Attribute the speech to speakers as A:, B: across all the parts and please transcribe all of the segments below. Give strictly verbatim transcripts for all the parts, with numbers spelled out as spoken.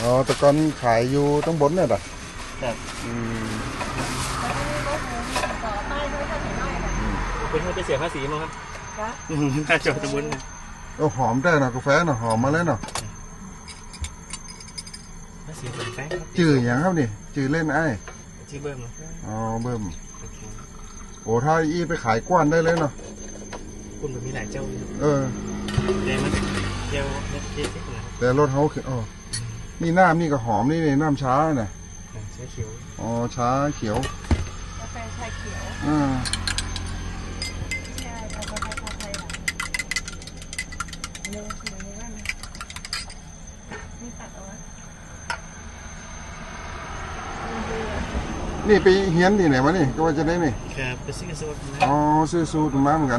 A: อ๋อแต่ก่อนขายอยู่ต้องบนเนี่ยเหรอ
B: ครับ
A: อืม
B: เป็นคนไปเสียภาษีมั้งครับค่าจอดตะบน
A: โอ้หอมได้นะกาแฟเนาะหอมมาเลยเนาะ
B: ภาษีเป็นแป้ง
A: จื่ออย่างครับนี่จื่อเล่นไอ้
B: ชื่อเบิ้ม
A: อ๋อเบิ้มโอ้ถ้าอีไปขายกว้านได้เลยเนาะ
B: คุณมันมีหลายเจ้า
A: เออ
B: แต่มันเจ้าเจ๊ๆนะ
A: แต่รถเขาอ๋อนี่น้ำนี่ก็หอมนี่นี่น้ำช้าน่ะ
B: ชาเขียว
A: อ๋อช้าเขียว
C: กาแฟชาเขียว
A: อ่า
C: ใช่กาแฟชาไทยเนื้อคือเนื้อนั่นนี่ตัดเอาไว้
A: นี่ไปเฮียนที่ไหนวะนี่ก็ว่าจะได้นี่
B: ครับไปซื้อสูตร
A: อ๋อซื้อสูตรมาเหมือนกัน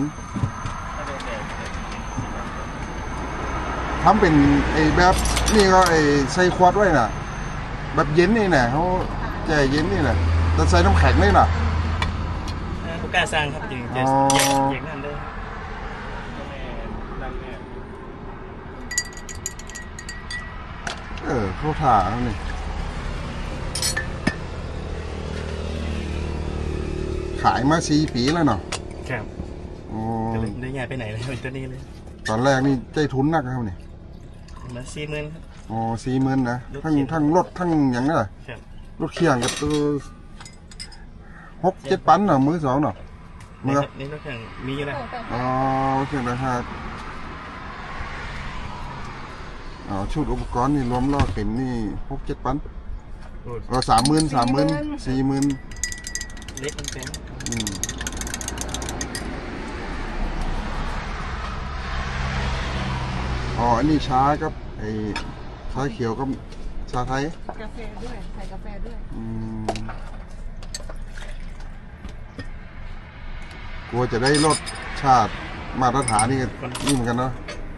A: ทำเป็นไอ้แบบนี่ก็ไอ้ใส่ขวดไว้น่ะแบบเย็นนี่น่ะเขาใจเย็นนี่น่ะแต่ใส่น้ำแข็งนี่น่ะ
B: ผู้กล้าสร้างครับจริงจะเย็นนั่นได้
A: เออเขาถ่าแล้วนี่ขายมาสี่ปีแล้วเนาะ
B: ครับอ๋อได้ย้ายไปไหนเลยเป็นตัวนี้เลย
A: ตอนแรกนี่ใจทุนนักครับนี่
B: มาสี่หมื่นครับ
A: อ๋อสี่หมื่นนะทั้งทั้งรถทั้งอย่างนั้นรถเคียงกับตัวหกเจ็ดปันเนาะมือสองเนาะ
B: มือนี่รถเคียงมีอยู่แล้ว
A: อ๋อเคียงนะครับอ๋อชุดอุปกรณ์นี่รวมล้อเข็มนี่หกเจ็ดปันเราสามหมื่นสามหมื่นสี่หมื่น
B: เล็กมันแพง
A: อ๋ออันนี้ช้ากับไอ้ชาเขียวกับชาไทย
C: กาแฟด้วยใส่กาแฟด้วย
A: อืมกลัวจะได้รสชาติมาตรฐานนี่นี่เหมือนกันเนาะ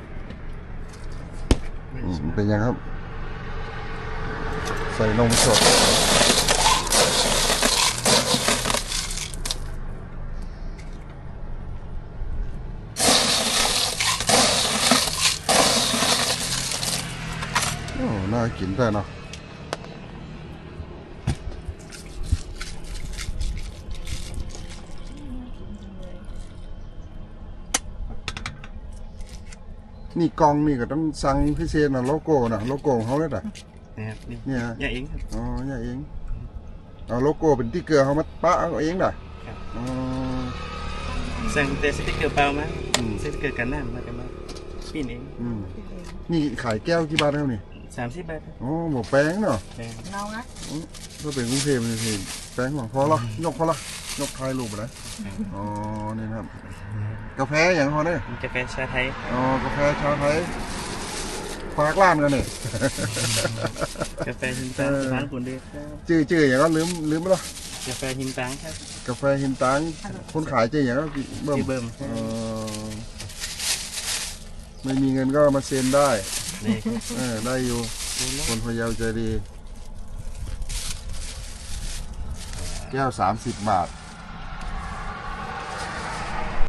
A: เป็นยังครับใส่นมสดโอ้น่ากินได้เนาะนี่กองนี่ก็ต้องสั่งพิเศษนะโลโก้นะโลโก้ของเขาเลยอ่ะ
B: เนี่ยเนี่ยเอง
A: อ๋อเนี่ยเองเอาโลโก้เป็นที่เกลือเขามาปะเอาเองด่ะอ๋อ
B: สั่งแต่สติ๊กเกอร์เปล่ามาสติ๊กเกอร์กันน้ำมากันมาปิ้นเอง
A: นี่ขายแก้วกี่บาทแล้วนี่
B: สามสิบบาท
A: โอ้หมกแป้งเนาะ
C: เรานะ
A: ถ้าเป็นกรุงเทพนี่แป้งหวังพอละยกพอละยกทายรูปไปเลยอ๋อนี่ครับกาแฟอย่างเขาเนี่ย
B: กาแฟชาไทย
A: อ๋อกาแฟชาไทยฝากร้านกันเนี่ย
B: กาแฟหินตังร้านคนเดียว
A: ชื่อชื่ออย่างก็ลืมลืมไปแล้ว
B: กาแฟหินตังครับ
A: กาแฟหินตังคนขายชื่ออย่างก็
B: เบิ่มเบิ่ม
A: ไม่มีเงินก็มาเซ็นได้ได้อยู่คนพะเยาใจดีแก้วสามสิบบาท